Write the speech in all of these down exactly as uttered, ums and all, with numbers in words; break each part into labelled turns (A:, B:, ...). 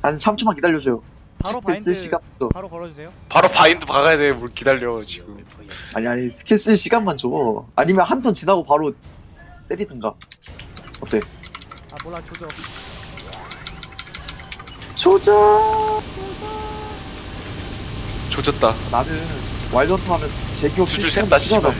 A: 한 삼 초만 기다려줘요.
B: 바로
A: 스킬 쓸
B: 바인드
A: 시간도.
B: 바로 걸어주세요.
C: 바로 바인드 박아야 돼. 뭘 기다려 지금.
A: 아니 아니 스킬 쓸 시간만 줘. 아니면 한 턴 지나고 바로 때리든가. 어때?
B: 아 몰라 조져.
A: 조져.
C: 조졌다.
A: 나는 와일드헌터 하면 제기업
C: 두 줄 샌다, 씨발.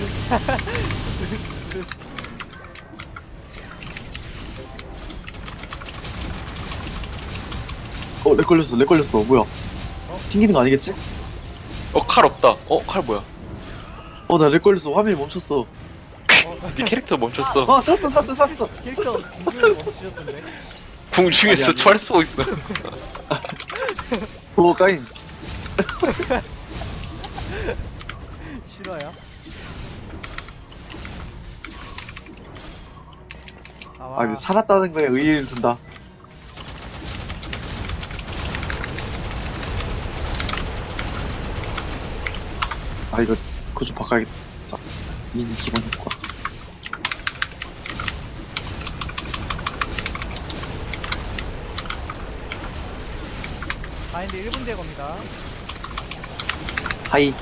A: 어, 렉 걸렸어, 렉 걸렸어. 뭐야? 튕기는 거 아니겠지?
C: 어 칼 없다. 어 칼 뭐야?
A: 어, 나 렉 걸렸어. 화면이 멈췄어.
B: 어,
C: 네 캐릭터 멈췄어.
A: 아, 샀어, 샀어, 샀어.
B: 캐릭터 중간에 멈추셨던데.
C: 궁중에서
A: 아니, 아니.
C: 철 쏘고 있어.
A: 오, 까인.
B: 싫어요? 아,
A: 아,
B: 와.
A: 근데 살았다는 거에 의의를 둔다. 아, 이거, 그거 좀 바꿔야겠다. 미니 기본 효과.
B: 바인드 일 분 대 겁니다.
A: 하이.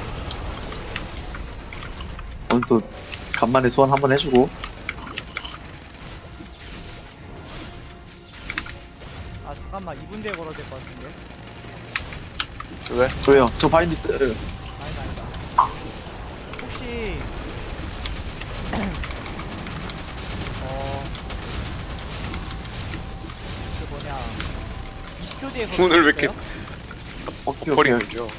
A: 오늘 또, 간만에 소환 한번 해주고.
B: 아 잠깐만 이 분 대 걸어야 될 것 같은데.
C: 왜?
A: 저요, 저 바인드 있어요.
B: 아니다 아니다. 혹시 어... 그 뭐냐 이십 초 뒤에 걸을
C: 오늘
B: 수
C: 왜 이렇게
B: 있어요?
A: 오케이, 오케이.
C: 버리죠.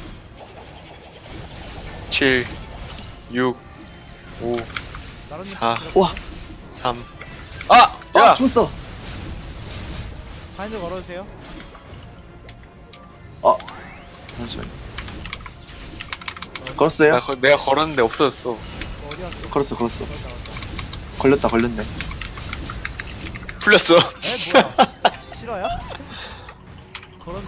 C: 칠, 육, 오,
B: 나름님
C: 사.
B: 들어-
A: 와,
C: 삼. 아!
A: 아,
C: 야!
A: 죽었어.
B: 바인드 걸어주세요.
A: 아, 잠시만. 걸었어요?
C: 나 거, 내가 걸었는데 없어졌어.
B: 어, 어디 갔어?
A: 걸었어, 걸었어.
B: 걸었다 걸었다.
A: 걸렸다, 걸렸네.
C: 풀렸어.
B: 에 뭐야? 싫어요? 그런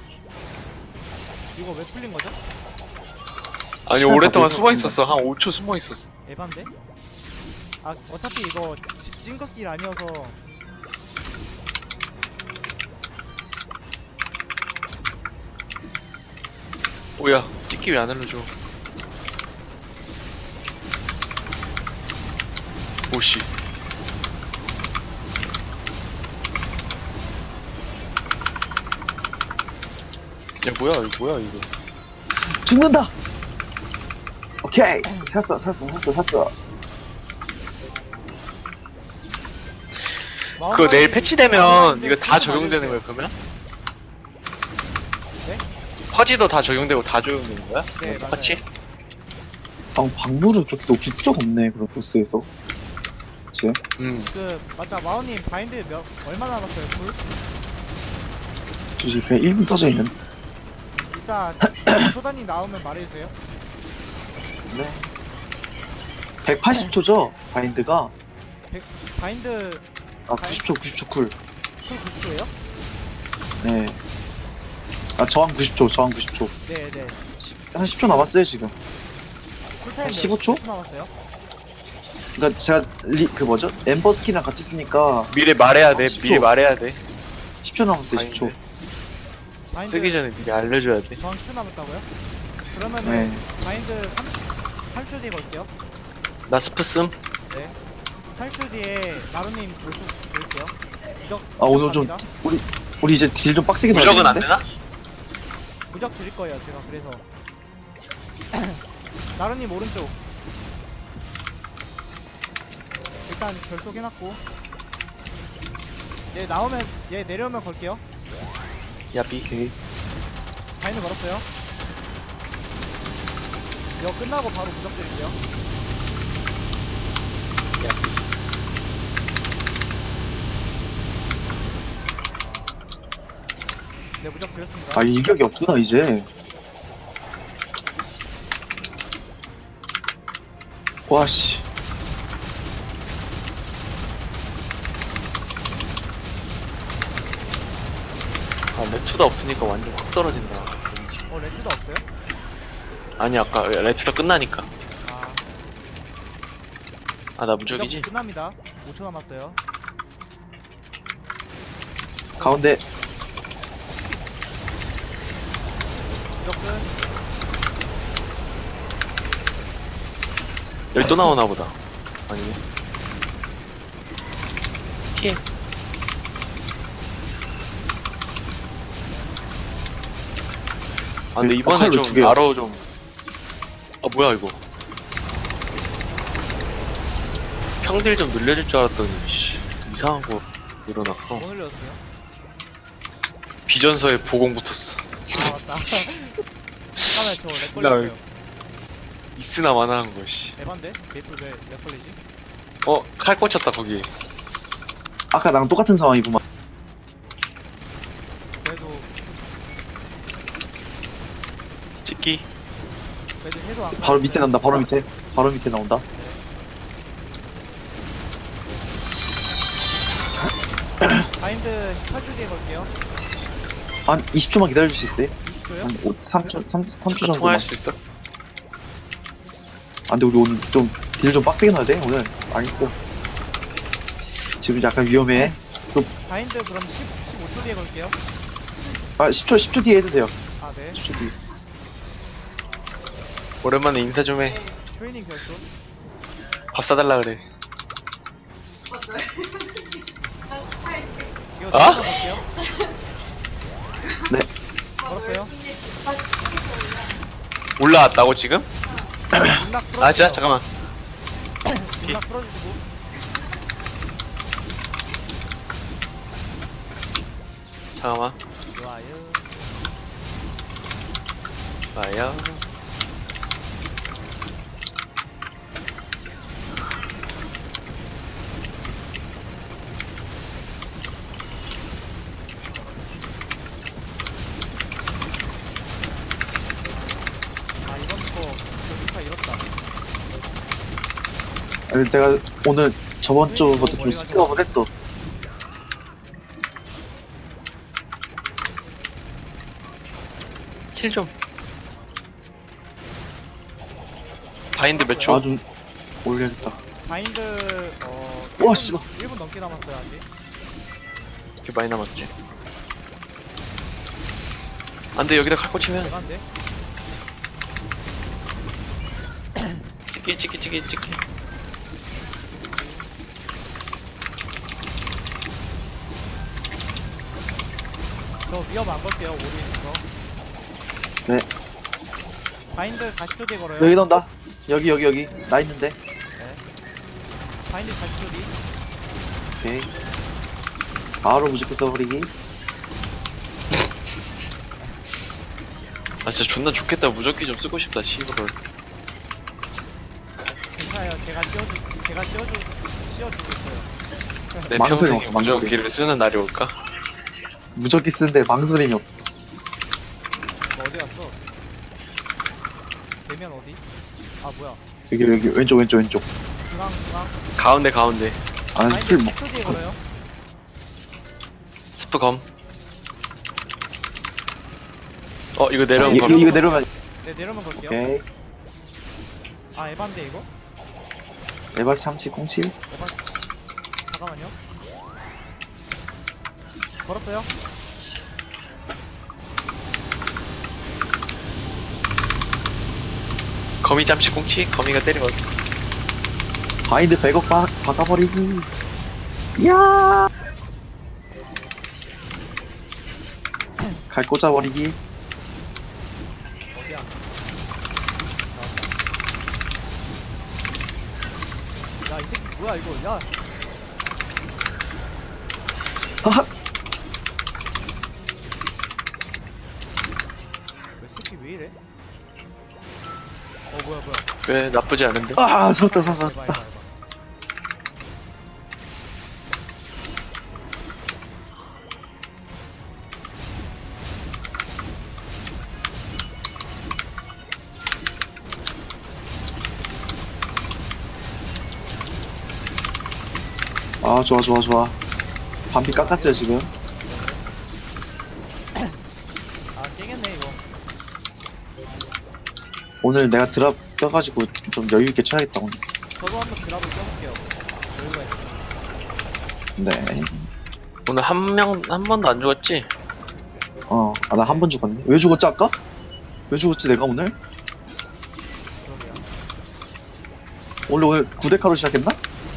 B: 이거 왜 풀린 거죠?
C: 아니
A: 시간
C: 오랫동안
A: 다
C: 숨어 있었어. 한 오 초 숨어 있었어.
B: 에반데? 아 어차피 이거 찌- 찐극길 아니어서
C: 뭐야? 찍기 왜 안 알려줘? 오씨. 야 뭐야 이거 뭐야 이거?
A: 죽는다! 오케이! 샀어, 샀어, 샀어, 샀어.
C: 그거 내일 패치되면
B: 마음가짐
C: 이거 다
B: 좀
C: 적용되는
B: 알려주세요.
C: 거야 그러면?
B: 네?
C: 퍼지도 다 적용되고 다 적용되는 거야?
B: 네,
C: 똑같이?
A: 방, 방물은 그렇게 높일 필요가 없네, 그런 보스에서. 그치?
C: 음.
B: 그 맞다 마오님 바인드 몇 얼마 남았어요? 풀?
A: 지금 그냥 일 분 써져 있는.
B: 이따 소단이 나오면 말해주세요.
A: 네. 백팔십 초죠? 바인드가.
B: 백, 바인드
A: 아, 구십 초, 구십 초 쿨.
B: 풀 구십 초예요?
A: 네. 아, 저항 구십 초, 저항 구십 초.
B: 네네.
A: 한 십 초 남았어요, 지금.
B: 쿨타임
A: 한 십오 초?
B: 몇 초 남았어요?
A: 그니까 제가, 리, 그 뭐죠? 엠버 스킨이랑 같이 쓰니까
C: 미리 말해야 돼.
A: 아, 십 초.
C: 미리 말해야 돼.
A: 십 초 남았어요, 십 초.
C: 바인드.
B: 바인드
C: 쓰기 전에 미리 알려줘야 돼.
B: 저항 십 초 남았다고요? 그러면은
A: 네.
B: 바인드 삼십 초 뒤에 걸게요.
C: 나 스프 씀.
B: 네. 삼십 초 뒤에 나루님 볼수 볼게요. 무적.
A: 아, 오늘 좀,
B: 갑니다.
A: 우리, 우리 이제 딜 좀 빡세게
C: 무적은 안
A: 넣어야겠는데?
C: 되나?
B: 무적 드릴 거예요. 제가 그래서. 나루님 오른쪽. 일단 결속 해놨고. 얘 나오면 얘 내려오면 걸게요.
C: 야비.
A: 오케이.
B: 바인드 걸었어요. 이거 끝나고 바로 무적 드릴게요.
C: 야비.
B: 네 무적 드렸습니다.
A: 아, 일격이 없구나, 이제. 와, 씨.
C: 아 레투다 없으니까 완전 확 떨어진다.
B: 어 레트도 없어요?
C: 아니 아까 레투다 끝나니까.
B: 아
C: 아 나
B: 무적
C: 무적이지?
B: 끝납니다. 오 초 남았어요.
A: 가운데.
B: 무적 끝.
C: 여기 또 나오나 보다. 아니네. 피해. 아 근데 이번에
A: 칼로 두
C: 좀
A: 개요.
C: 나로 좀. 아 뭐야 이거. 평딜 좀 늘려줄 줄 알았더니 씨, 이상한 거 일어났어.
B: 뭐 늘렸어요?
C: 비전서에 보공 붙었어.
B: 아 맞다. 잠깐만 저렉
C: 나
B: 걸렸어요.
C: 있으나 마나한 거 씨.
B: 에반데? 게이트 왜렉 걸리지?
C: 어 칼 꽂혔다 거기.
A: 아까 나랑 똑같은 상황이구만.
B: 그래도
C: 찍기.
B: 그래도 해도 안
A: 바로 밑에 나온다. 바로 밑에. 바로 밑에 나온다.
B: 바인드 십팔 초 뒤에 걸게요.
A: 한 이십 초만 기다려줄 수 있어요?
B: 이십 초요?
A: 한 오, 삼 초, 삼, 삼 초 정도만.
C: 통화할 수 있어?
A: 아, 근데 우리 오늘 좀, 딜 좀 빡세게 넣어야 돼, 오늘. 알겠어. 지금 약간 위험해.
B: 바인드 그럼 십, 십오 초 뒤에 걸게요.
A: 아, 십 초, 십 초 뒤에 해도 돼요.
B: 아 네.
A: 십 초 뒤에.
C: 오랜만에 인사 좀 해.
B: 트레이닝 결손.
C: 밥 사달라 그래.
B: 이거
C: 아?
B: 볼게요.
A: 네.
B: 걸었어요.
C: 올라왔다고 지금?
B: 문낙 풀어주세요.
C: 아 진짜? 잠깐만.
B: 문낙 풀어주시고.
C: 잠깐만.
B: 좋아요.
C: 좋아요.
B: 아 이번 거 조리카 잃었다.
A: 아니, 내가 오늘 저번 주부터 좀 스킵업을 했어.
C: 킬 좀. 바인드 몇 초?
A: 아, 좀 올려야겠다.
B: 바인드 어.
A: 우와,
B: 일 분,
A: 씨발.
B: 일 분 넘게 남았어요 아직.
C: 이렇게 많이 남았지. 안돼 여기다 칼 꽂히면
B: 대간데.
C: 찍기 찍기 찍기 찍기.
B: 저 위협 안 걸게요 오류 있는 거.
A: 네.
B: 바인드 사십 초 뒤에 걸어요.
A: 여기 나온다. 여기, 여기, 여기. 나 있는데.
B: 바인드 사십 초 뒤.
A: 오케이. 바로 무조건 써버리기.
C: 아 진짜 존나 좋겠다. 무적기 좀 쓰고 싶다. 시그널.
B: 괜찮아요. 제가 씌워주 제가 씌워주 씌워주고 있어요.
C: 내
A: 망설임
C: 평생
A: 없어, 망설임.
C: 무적기를 쓰는 날이 올까?
A: 무적기 쓰는데 망설임이 없어.
B: 너 어디 갔어? 대면 어디? 아 뭐야?
A: 여기, 여기, 왼쪽, 왼쪽, 왼쪽.
B: 중앙 중앙.
C: 가운데 가운데.
A: 아,
B: 바인드
A: 킬 뭐.
B: 십 초 뒤에 걸어요.
C: 스프 검. 어 이거 내려온
A: 이거,
C: 거.
A: 이거 내려오면.
B: 네 내려면 걸게요.
A: 오케이.
B: 아 에반데 이거?
A: 에바 참치 콩칠.
B: 에반 잠깐만요. 걸었어요?
C: 거미 잠시 공치. 거미가 때리면
A: 바인드 백억 박, 박아버리기. 이야. 갈 꽂아버리기.
B: 어디야? 나왔다. 야이 새끼 뭐야 이거? 야
A: 하하.
B: 왜 새끼 왜 이래? 어 뭐야 뭐야?
C: 왜 나쁘지 않은데?
A: 아, 살았다, 살았다.
B: 해봐 해봐 해봐.
A: 아, 좋아, 좋아, 좋아. 반피 깎았어요, 지금.
B: 아 깨겠네 이거.
A: 오늘 내가 드랍 껴가지고 좀 여유있게 쳐야겠다, 오늘.
B: 저도 한번 드랍을 껴볼게요. 여유가 있어.
A: 네.
C: 오늘 한 명 한 번도 안 죽었지?
A: 어, 아, 나 한 번 죽었네. 왜 죽었지, 아까? 왜 죽었지 내가 오늘?
B: 그러게요.
A: 원래 오늘 구 대카로 시작했나?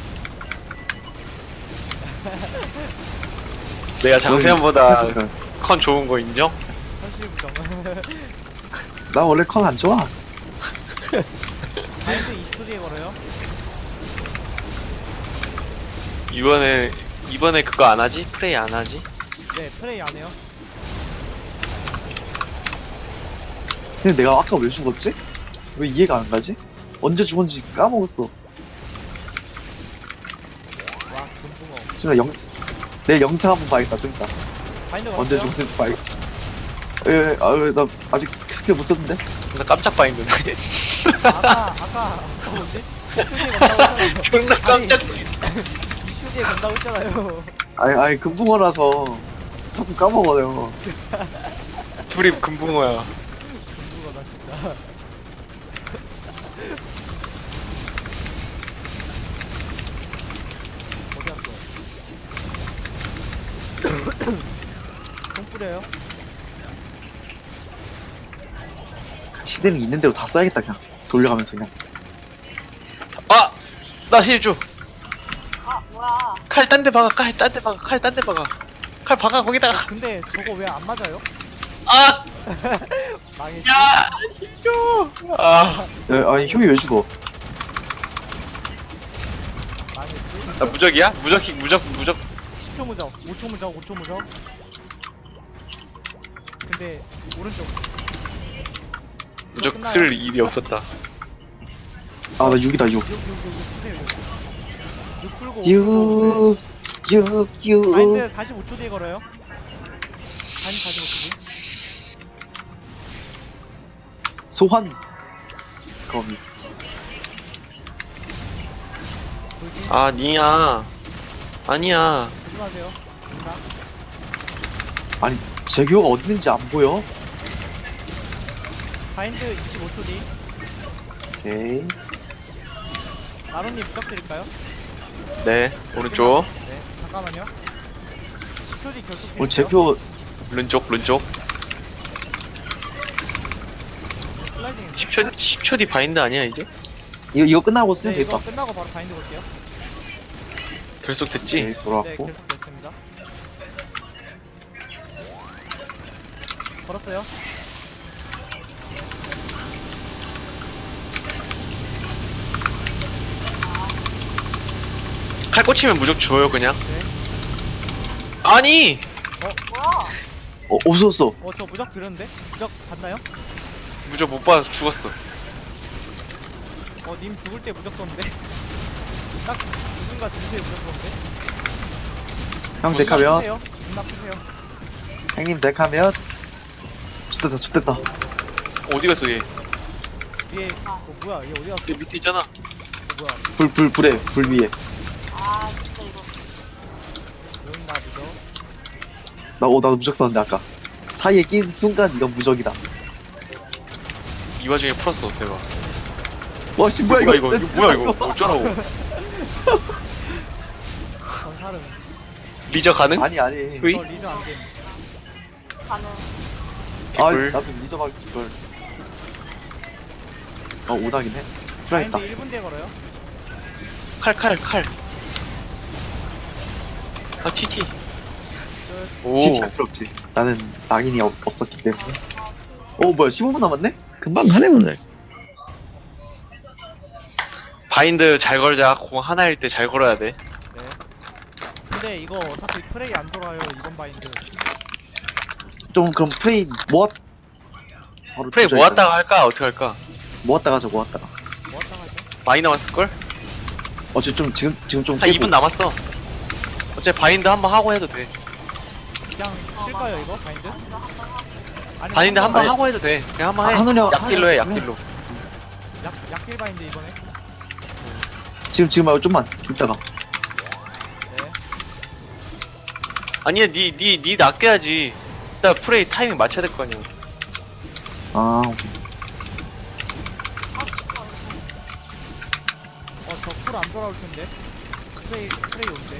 C: 내가 장세현보다
A: 저기-
C: 컨 좋은 거 인정?
B: 현실 부정.
A: 나 원래 컨 안 좋아.
B: 바인드 이십 초 뒤에 걸어요.
C: 이번에 이번에 그거 안 하지? 프레이 안 하지?
B: 네, 플레이 안 해요.
A: 근데 내가 아까 왜 죽었지? 왜 이해가 안 가지? 언제 죽었는지 까먹었어.
B: 와, 금붕어.
A: 지금 영, 내 영상 한번 봐야겠다, 좀 이따.
B: 바인드
A: 언제
B: 걸었어요?
A: 죽었는지 봐야겠다. 예, 아, 나 아직 스킬 못 썼는데?
C: 나 깜짝 바인드네.
B: 아까, 아까, 아까 뭐지? 이십 초 뒤에 건다고 했잖아요.
C: 존나 깜짝.
B: 이십 초 뒤에 건다고 했잖아요.
A: 아니, 아니, 금붕어라서 자꾸 까먹어요.
C: 둘이 금붕어야.
B: 금붕어다, 진짜. 어디 갔어? 똥 뿌려요?
A: 시대는 있는 대로 다 써야겠다, 그냥. 돌려가면서 그냥.
C: 아! 나 힐줘.
D: 아 뭐야?
C: 칼 딴 데 박아. 칼 딴 데 박아. 칼 딴 데 박아. 칼 박아 거기다가.
B: 근데 저거 왜 안 맞아요?
C: 아!
B: 망했지?
C: 야! 힐줘. 아.
A: 예, 아니, 효이 왜 죽어?
B: 망했지?
C: 나 무적이야? 무적 킥 무적 무적.
B: 십 초 무적, 오 초 무적, 오 초 무적. 근데 오른쪽
C: 무적 쓸 일이 없었다.
A: 아, 나 육이다, 육.
B: 육, 육, 육, 육, 육, 육. 육 풀고 오 풀고.
A: 육, 육, 육.
B: 마인드 사십오 초 뒤에 걸어요. 아니 사십오 초 뒤.
A: 소환. 거미.
B: 돌진.
C: 아니야. 아니야.
B: 조심하세요. 있나?
A: 아니, 제규어가 어디 있는지 안 보여?
B: 바인드 이십오 초 뒤.
A: 오케이.
B: 나로님 부탁드릴까요?
C: 네. 오른쪽.
B: 네. 잠깐만요. 십 초 뒤 결속.
A: 오늘 제규어
C: 른쪽 른쪽.
B: 슬라이딩.
C: 십 초 십 초 뒤 바인드 아니야 이제?
A: 이거 이거 끝나고 쓰면
B: 네, 이거
A: 되겠다.
B: 끝나고 바로 바인드 볼게요.
C: 결속 됐지?
A: 오케이,
B: 네,
A: 돌아왔고.
B: 결속 됐습니다. 걸었어요.
C: 칼 꽂히면 무적 줘요 그냥.
B: 네.
C: 아니.
D: 뭐야?
A: 어, 없었어.
B: 어, 저 무적 드렸는데? 무적 봤나요?
C: 무적 못 받아서 죽었어.
B: 어, 님 죽을 때 무적 썼는데? 딱 누군가 주세요 무적 썼는데?
A: 형
C: 무슨
A: 덱하면,
B: 푸세요. 존나 푸세요.
A: 형님 덱하면. 좋됐다, 좋됐다.
C: 어디 갔어 얘?
B: 위에, 어, 뭐야, 얘 어디 갔어?
C: 얘 밑에 있잖아.
B: 어, 뭐야,
A: 불, 불, 불에, 불 위에.
D: 아 진짜 이거
B: 여긴가 무적?
A: 나, 어, 나도 무적 썼는데, 아까. 사이에 낀 순간 이건 무적이다.
C: 이 와중에 풀었어 대박.
A: 와, 씨, 뭐야,
C: 뭐야
A: 이거.
C: 이거 이거 뭐야 이거 어쩌라고?
B: 전사름.
C: 리저 가능?
A: 아니, 아니.
C: 으이?
B: 저 리저 안 됨.
D: 가는
A: 아,
C: 개꿀.
A: 나도 리저박 이걸. 어, 오다긴 해.
B: 바인드
A: 풀어야겠다.
B: 일 분 뒤에 걸어요.
C: 칼 칼 칼. 아 티티.
B: 끝.
C: 오.
A: 진짜 필요 없지. 나는 낙인이 없, 없었기 때문에. 어, 뭐야, 십오 분 남았네? 금방 가네, 오늘.
C: 바인드 잘 걸자. 공 하나일 때 잘 걸어야 돼.
B: 네. 근데 이거 어차피 프레이 안 돌아요, 이번 바인드.
A: 좀, 그럼 프레이 모았, 바로
C: 프레이
A: 조절해서.
C: 모았다가 할까? 어떻게 할까?
A: 모았다가 하자, 모았다가.
B: 뭐었다 하죠?
C: 많이 남았을걸?
A: 어, 지금 좀, 지금, 지금 좀.
C: 한 이 분 남았어. 어차피 바인드 한번 하고 해도 돼.
B: 그냥 쉴까요, 이거? 바인드? 아니면
C: 바인드 한번
A: 아니,
C: 하고 해도 돼. 그냥 한번 해.
A: 아, 하늘이 형,
C: 약딜로 해,
A: 하늘이
C: 약딜로.
B: 약, 약길 바인드 이번에?
A: 지금, 지금 말고 좀만. 이따가.
B: 네.
C: 아니야, 니, 니, 니 낚여야지. 일단 프레이 타이밍 맞춰야 될 거 아니야.
A: 아, 오케이.
B: 어, 저 풀 안 돌아올 텐데. 프레이, 프레이 온대.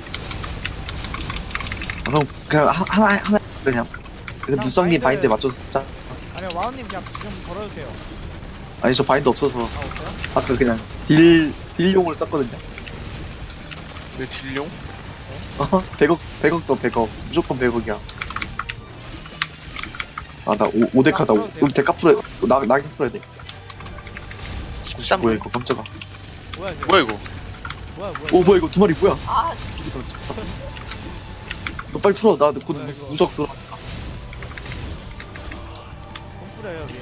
A: 아, 그럼, 그냥, 하- 하나, 하나, 그냥. 그
B: 그냥
A: 누성님
B: 바인드-
A: 바인드에 맞춰서 쓰자.
B: 아니, 아니면 와운님 그냥 지금 걸어주세요.
A: 아니 저 바인드 없어서
B: 아 없어요?
A: 아까 그냥 딜 딜용으로 썼거든요.
C: 왜 딜용?
A: 어? 백억 백억도 백억 무조건 백억이야. 아나 오데카다. 우리 데카 풀어 나 나긴 풀어야 돼.
C: 십삼
A: 뭐야 이거 깜짝아.
B: 뭐야 이거?
C: 뭐야 이거?
B: 뭐야 뭐야?
A: 오 뭐야 이거 두 마리 뭐야?
D: 아, 씨.
A: 너 빨리 풀어. 나곧
B: 뭐야, 이거?
A: 무적 들어.
B: 돈 뿌려요 여기.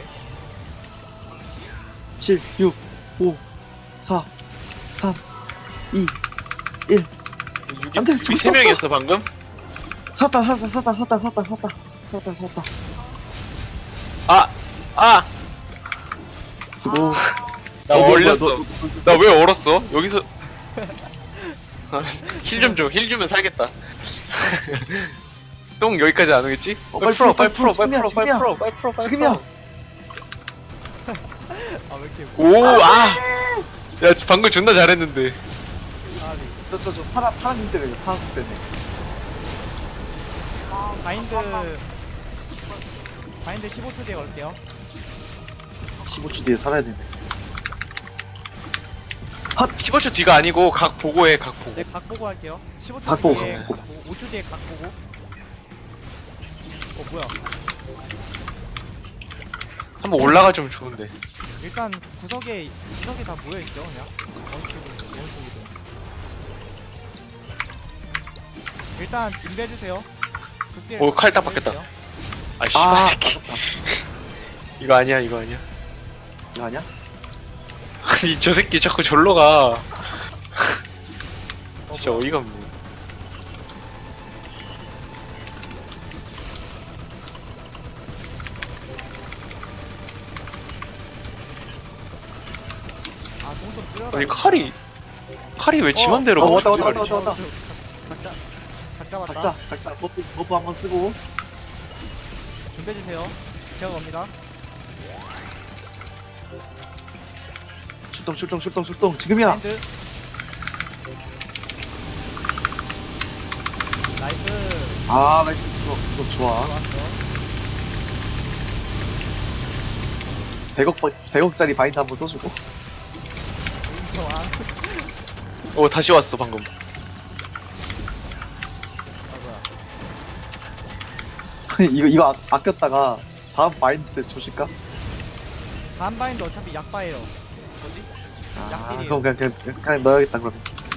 A: 칠, 육, 오, 사, 삼, 이, 일. 안 돼,
C: 우리 세 명이었어 방금?
A: 샀다 샀다 샀다 샀다 샀다 샀다 샀다 샀다.
C: 아! 아!
A: 수고.
C: 나
A: 어, 뭐야,
C: 얼렸어.
A: 너, 너, 너,
C: 나 왜 얼었어? 여기서 힐 좀 줘. 힐 주면 살겠다. 똥 여기까지 안 오겠지?
A: 어,
C: 빨리 풀어, 빨리 풀어, 빨리 풀어, 빨리
A: 지금이야,
C: 풀어, 빨리 풀어, 빨리
A: 지금이야.
C: 풀어.
B: 아왜 이렇게?
C: 오, 아! 야, 방금 존나 잘했는데.
B: 아리.
A: 저저저 파란 파란 님 때문에 파란 님 때문에.
D: 아,
B: 바인드
D: 잠깐만.
B: 바인드 십오 초 뒤에 걸게요.
A: 십오 초 뒤에 살아야 되네.
C: 십오 초 뒤가 아니고 각 보고 해, 각 보고.
B: 네, 각 보고 할게요. 십오 초
A: 각 보고,
B: 뒤에
A: 각
B: 각 보고, 오 초 뒤에 각 보고. 어 뭐야?
C: 한번 올라가 주면 좋은데.
B: 일단 구석에 구석에 다 모여 있죠, 그냥. 어느 쪽이든 어느 쪽이든. 일단 준비해 주세요. 극딜
C: 오, 칼딱
B: 준비해
C: 바뀌었다.
B: 주세요.
C: 아, 씨발
A: 아,
C: 새끼.
A: 아깝다.
C: 이거 아니야, 이거 아니야.
A: 이거 아니야?
C: 아니, 저 새끼 자꾸 절로 가.
B: 어,
C: 진짜
B: 뭐야.
C: 어이가 없네.
B: 아, 동선 뿌려라.
C: 아니, 칼이. 칼이 왜 지맘대로
A: 어,
C: 가?
A: 왔다, 왔다,
C: 씨발.
A: 왔다, 왔다, 왔다.
B: 각자 각자 맞다.
A: 각자 각자 버프 버프 한번 쓰고.
B: 준비해 주세요. 제가 갑니다.
A: 출동 출동 출동 출동 지금이야.
B: 바인드. 나이스.
A: 아 나이스. 이거, 이거 좋아.
B: 좋았어.
A: 백억 백억짜리 바인드 한번 써주고.
B: 인정한.
C: 어, 다시 왔어, 방금.
B: 아 뭐야.
A: 이거 이거 아, 아꼈다가 다음 바인드 때 조실까?
B: 다음 바인드 어차피 약바예요. 뭐지?
A: 아
B: 약딜이에요.
A: 그럼 그냥, 그냥 그냥 넣어야겠다 그러면.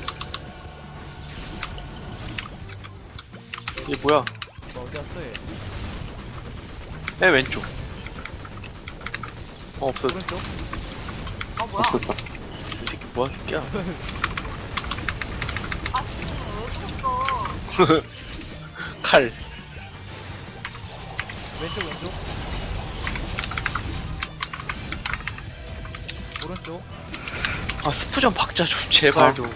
C: 이게 뭐야?
B: 뭐 어디 갔어 얘?
C: 맨 왼쪽. 어, 없어. 이
B: 오른쪽?
D: 아, 뭐야?
A: 없었다.
C: 새끼 뭐야, 새끼야.
D: 아, 씨. 왜 죽었어?
C: 칼.
B: 왼쪽 왼쪽? 오른쪽?
C: 아, 스프 좀 박자 좀, 제발
A: 아.
C: 좀.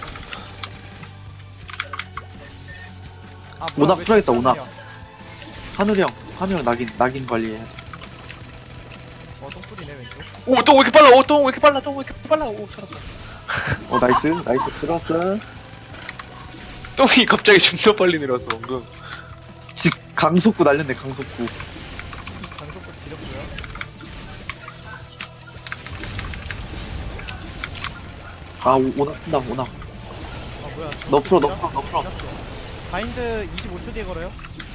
B: 아
A: 오나
B: 왜
A: 풀어야겠다,
B: 저기
A: 오나.
B: 사람이야?
A: 한우리 형 한우리 형 낙인 낙인 관리해.
B: 어 똥뿌리네 왼쪽.
C: 오, 똥 왜 이렇게 빨라? 오, 똥 왜 이렇게 빨라? 똥 왜 이렇게 빨라? 오, 살았다.
A: 어 나이스 나이스 들어왔어.
C: 똥이 갑자기 존나 빨리 내려서 방금.
A: 직 강속구 날렸네 강속구.
B: 강속도 지렸고요.
A: 아 오, 오나 푼다 오나.
B: 아 뭐야?
A: 너 풀어 너
B: 지렸-
A: 풀어 너 풀어.
B: 지렸어. 바인드 이십오 초 뒤에 걸어요.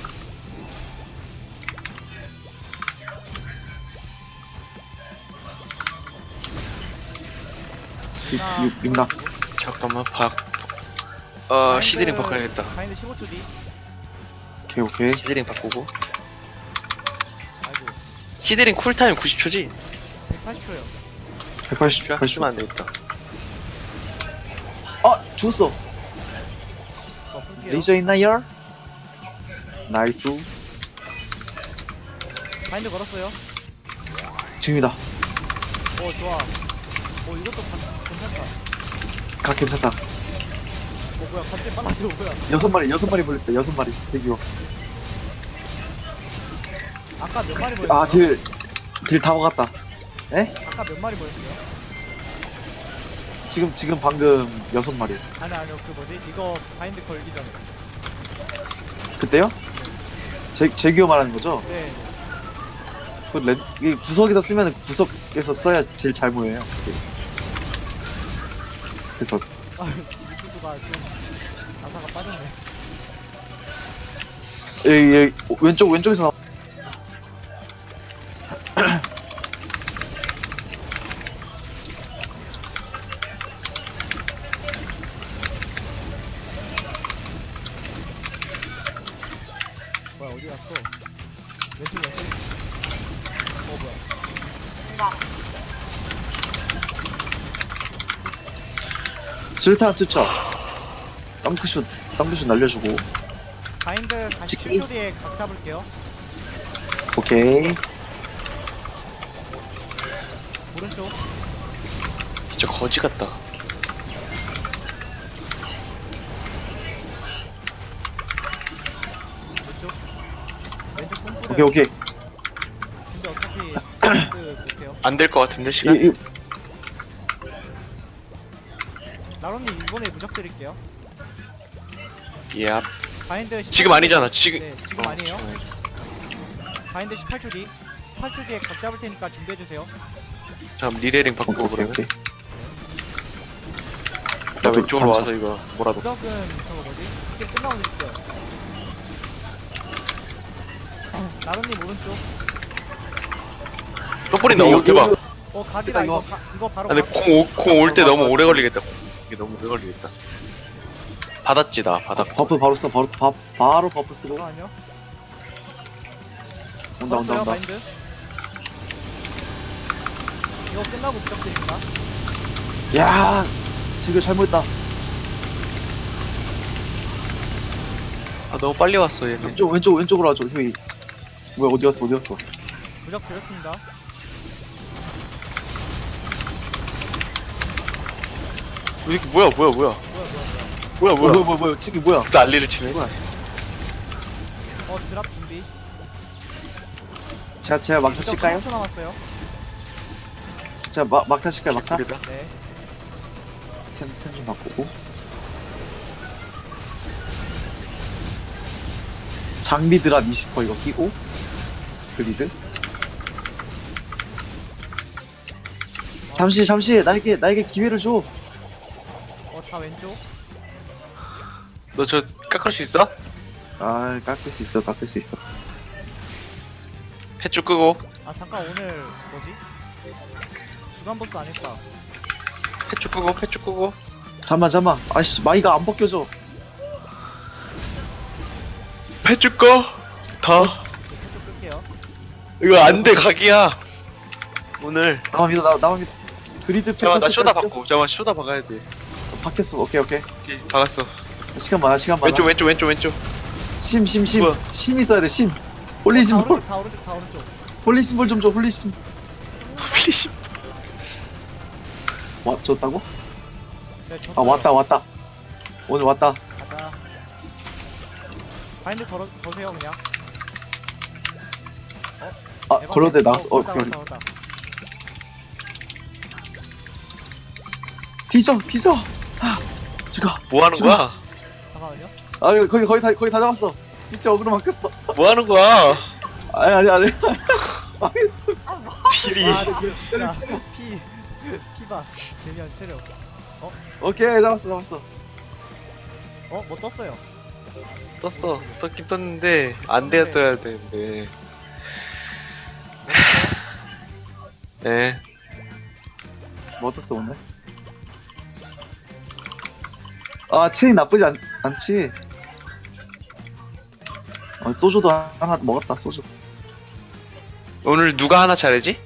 B: 하나,
A: 육- 육나.
C: 잠깐만, 박. 어, 시드링 바꿔야겠다.
B: 바인드 십오 초 뒤.
A: 오케이 오케이.
C: 시드링 바꾸고.
B: 아이고
C: 시드링 쿨타임 구십 초지?
B: 백팔십 초요.
A: 백팔십
C: 야,
A: 팔십.
C: 쓰면 안 되겠다.
A: 아 죽었어.
B: 어 풀게요.
A: 레이저 있나요? 나이스.
B: 바인드 걸었어요.
A: 지금이다.
B: 어 좋아. 어 이것도 바, 괜찮다.
A: 각 괜찮다.
B: 어 뭐야 갑자기 빨라져 뭐야.
A: 여섯 마리 여섯 마리 벌렸다 여섯 마리. 대기요.
B: 아까 몇 마리 보였어요?
A: 아딜딜 다 먹었다. 에?
B: 아까 몇 마리 보였어요?
A: 지금 지금 방금 여섯 마리.
B: 아니 아니요 그 뭐지 이거 바인드 걸기 전에.
A: 그때요? 제 제규어 말하는 거죠?
B: 네.
A: 그 렌, 이 구석에서 쓰면 구석에서 써야 제일 잘 보여요. 그래서
B: 아 유튜브가 좀 가사가 빠졌네.
A: 여기, 여기 왼쪽 왼쪽에서 나.
B: 뭐야 어디 갔어? 왼쪽 왼쪽. 어 뭐야?
D: 나
A: 술탄 투척. 덩크슛 덩크슛 날려주고.
B: 바인드 다시
A: 찍기?
B: 칠 초 뒤에 각 잡을게요.
A: 오케이.
B: 오른쪽.
C: 진짜 거지 같다.
B: 왼쪽. 왼쪽 뽕뿌려.
A: 오케이 오케이.
B: 근데 어차피 바인드 못해요.
C: 안 될 것 같은데 시간?
A: 이, 이,
B: 나로님 이번에 무적 드릴게요.
C: 예.
B: 바인드 십팔
C: 지금
B: 초
C: 아니잖아.
B: 뒤에-
C: 지금.
B: 네 지금
C: 어,
B: 아니에요.
C: 지금
B: 바인드 십팔 초 뒤. 십팔 초 뒤에 각 잡을 테니까 준비해 주세요.
C: 잠 리레링
A: 오케이
C: 바꾸고
A: 오케이
C: 그러면.
A: 오케이.
C: 나 왼쪽으로
A: 감사.
C: 와서 이거 뭐라도.
B: 무적은 저거 뭐지? 이게 끝나고 있어요. 나로님 오른쪽.
C: 또 뿌린다. 오
A: 이거-
C: 대박.
A: 이거-
B: 어 각이다
A: 이거-
B: 이거 가, 이거 바로
C: 근데
B: 각.
C: 공공올 때 너무 오래 걸리겠다. 이게 너무 오래 걸리겠다. 받았지 나 받았.
A: 버프 바로 써 바로 바, 바로 버프 쓰고
B: 잠깐만요.
A: 온다 온다
B: 걸었어요,
A: 온다.
B: 바인드. 이거 끝나고 무적 드립니다.
A: 야 지금 잘못했다.
C: 아 너무 빨리 왔어 얘네.
A: 왼쪽 왼쪽 왼쪽으로 와줘 휴이. 뭐야 어디 갔어 어디 갔어.
B: 무적 드렸습니다.
C: 왜 이렇게 뭐야 뭐야 뭐야
B: 뭐야 뭐야 뭐야.
C: 뭐야
A: 뭐야
C: 뭐야.
A: 뭐야 뭐야 뭐야 치기 뭐야.
C: 난리를 치네.
B: 어 드랍 준비.
A: 제가 제가 막타
B: 무적
A: 칠까요?
B: 삼 초 남았어요.
A: 제가 막 막타 칠까요 막타?
C: 그러다.
B: 네.
A: 템템좀 바꾸고. 장비 드랍 이십 퍼센트 이거 끼고 그리드. 잠시 잠시 나에게 나에게 기회를 줘.
B: 어다 왼쪽.
C: 너 저 깎을 수 있어?
A: 아 깎을 수 있어 깎을 수 있어.
C: 햇줄 끄고.
B: 아 잠깐 오늘 뭐지? 주간 보스 안 했다.
C: 햇줄 끄고 햇줄 끄고.
A: 잠만 잠만. 아씨 마이가 안 벗겨져.
C: 햇줄 꺼. 다.
B: 이쪽 끌게요.
C: 이거 안 돼 각이야. 오늘.
A: 나만 믿어 나 나만 믿어. 그리드
C: 잠깐만 나
A: 패턴
C: 쇼다
A: 꼈어.
C: 바꿔. 잠깐만 쇼다 박아야 돼.
A: 바뀌었어. 오케이 오케이.
C: 오케이 박았어.
A: 시간 많아 시간 많아.
C: 왼쪽 왼쪽 왼쪽 왼쪽.
A: 심 심 심.
C: 뭐야?
A: 심 있어야 돼 심.
B: 다
A: 홀리 심볼.
B: 오른쪽 다 오른쪽 다 오른쪽.
A: 홀리 심볼 좀 줘. 홀리 심.
C: 플리심.
A: 와 줬다고?
B: 네,
A: 아 왔다 왔다. 오늘 왔다.
B: 가자. 바인드 걸어 거세요 그냥.
A: 아
B: 대박이네.
A: 걸어대 나왔어. 어
B: 걸었다,
A: 그래.
B: 걸었다, 걸었다.
A: 뒤져 뒤져. 아 죽어.
C: 뭐 하는 거야?
B: 잠깐만요.
A: 아 거기 거의 다 거의 다 잡았어. 진짜 어그로 막혔어.
C: 뭐 하는 거야?
A: 아니 아니 아니.
C: 딜이.
B: 아 진짜 피 피바 재미한 체력.
A: 오케이 잡았어 잡았어.
B: 어뭐 떴어요.
C: 떴어. 떴긴 떴는데 안 돼야 떠야 되는데. 네.
A: 뭐 떴어 오늘? 아 체인 나쁘지 않, 않지. 어, 소주도 하나 먹었다 소주.
C: 오늘 누가 하나 잘하지?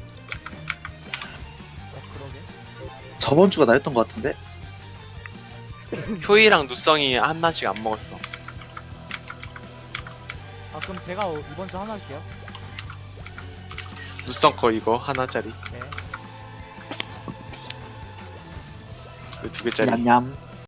B: 어 그러게.
A: 저번 주가 나였던 것 같은데.
C: 효이랑 누성이 하나씩 안 먹었어.
B: 아 그럼 제가 어- 이번 주 하나 할게요.
C: 누성 거 이거 하나짜리.
B: 네.
C: 그 두 개짜리.
A: 냠냠.